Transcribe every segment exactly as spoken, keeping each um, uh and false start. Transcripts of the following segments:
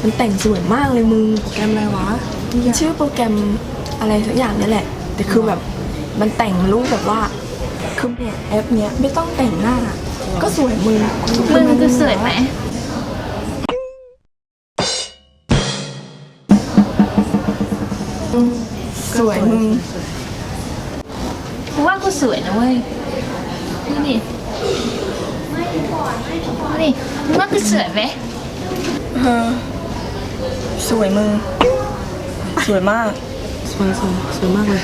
มันแต่งสวยมากเลยมึงโปรแกรมอะไรวะชื่อโปรแกรมอะไรสักอย่างนี่แหละแต่คือแบบมันแต่งรูปแบบว่าคือเนี่ยแอปเนี้ยไม่ต้องแต่งหน้าก็สวยมึงมึงคือสวยไหมสวยมึงกูว่ากูสวยนะเว้ยนี่ดินี่มึงว่ากูสวยไหมเออสวยมึงสวยมากสวยสวยสวยมากเลย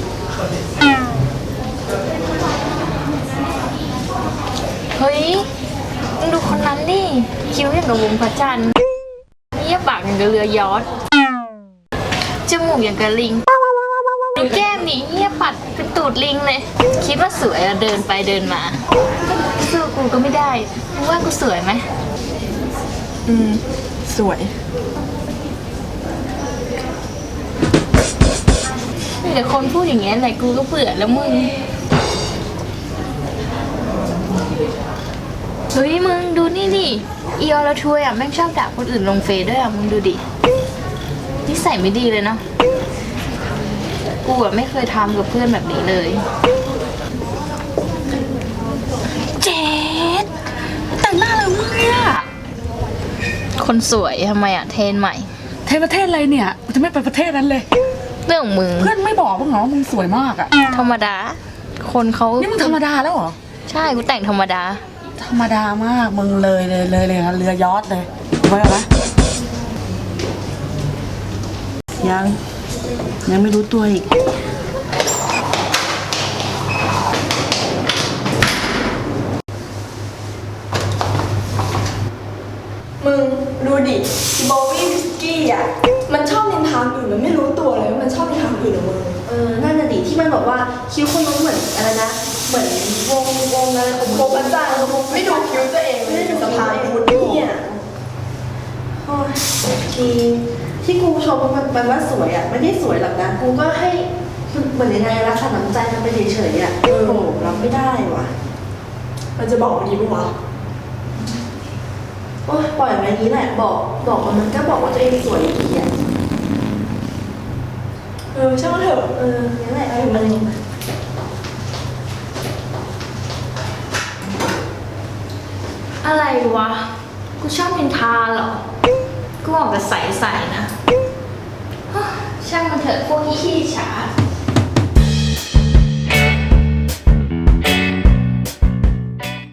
เฮ้ยมึงดูคนนั้นดิคิ้วอย่างกับวงพระจันทร์เยี่ยปากอย่างกับเรือยอชต์จมูกอย่างกับลิงดูแก้มนี่เยี่ยปัดเป็นตูดลิงเลยคิดว่าสวยอะเดินไปเดินมาสู้กูก็ไม่ได้มึงว่ากูสวยไหมอืมสวยมีแต่คนพูดอย่างเงี้ยแหละกูก็เบื่อแล้วมึงเฮ้ยมึงดูนี่ดิอีออร์ทัวร์อ่ะแม่งชอบด่าคนอื่นลงเฟซด้วยอ่ะมึงดูดินิสัยไม่ดีเลยเนาะกูอ่ะไม่เคยทำกับเพื่อนแบบนี้เลยเจ๊ดแต่งหน้าเลยมึงเนี่ยคนสวยทำไมอ่ะเทรนใหม่เทศประเทศอะไรเนี่ยกูจะไม่ไปประเทศนั้นเลยเรื่องของมึงเพื่อนไม่บอกมึงเหรอมึงสวยมากอะธรรมดาคนเขานี่มึงธรรมดาแล้วเหรอใช่กูแต่งธรรมดาธรรมดามากมึงเลยเลยเลยเลยเรือยอชต์เลยไว้ไหมยังยังไม่รู้ตัวอีกมึงดูดิโบวี่วิสกี้อ่ะมันชอบนินทาอื่นมันไม่รู้ตัวเลยว่ามันชอบนินทาอื่นของมึงเออนั่นน่ะดิที่มันบอกว่าคิ้วคนนู้นเหมือนอะไรนะเหมือนวงวงอะไรของโบว์อาจารย์ไม่ดูคิ้วตัวเองไม่ได้ดูสะพายคุณเนี่ยโอ้ยทีที่กูชมมันมันว่าสวยอ่ะไม่ได้สวยหรอกนะกูก็ให้เหมือนยังไงรักษาน้ำใจมันไปเฉยๆอ่ะโอ้โหรับไม่ได้ว่ะมันจะบอกมันดีไหมวะโอ้ยปล่อยมันอย่างนี้แหละบอกบอกมันมันก็บอกว่าตัวเองสวยอีกอ่ะเออช่างมันเถอะเออนั่นแหละเอามันอะไรวะกูชอบนินทาเหรอกูออกกับใสๆนะช่างมันเถอะพวกขี้ฉา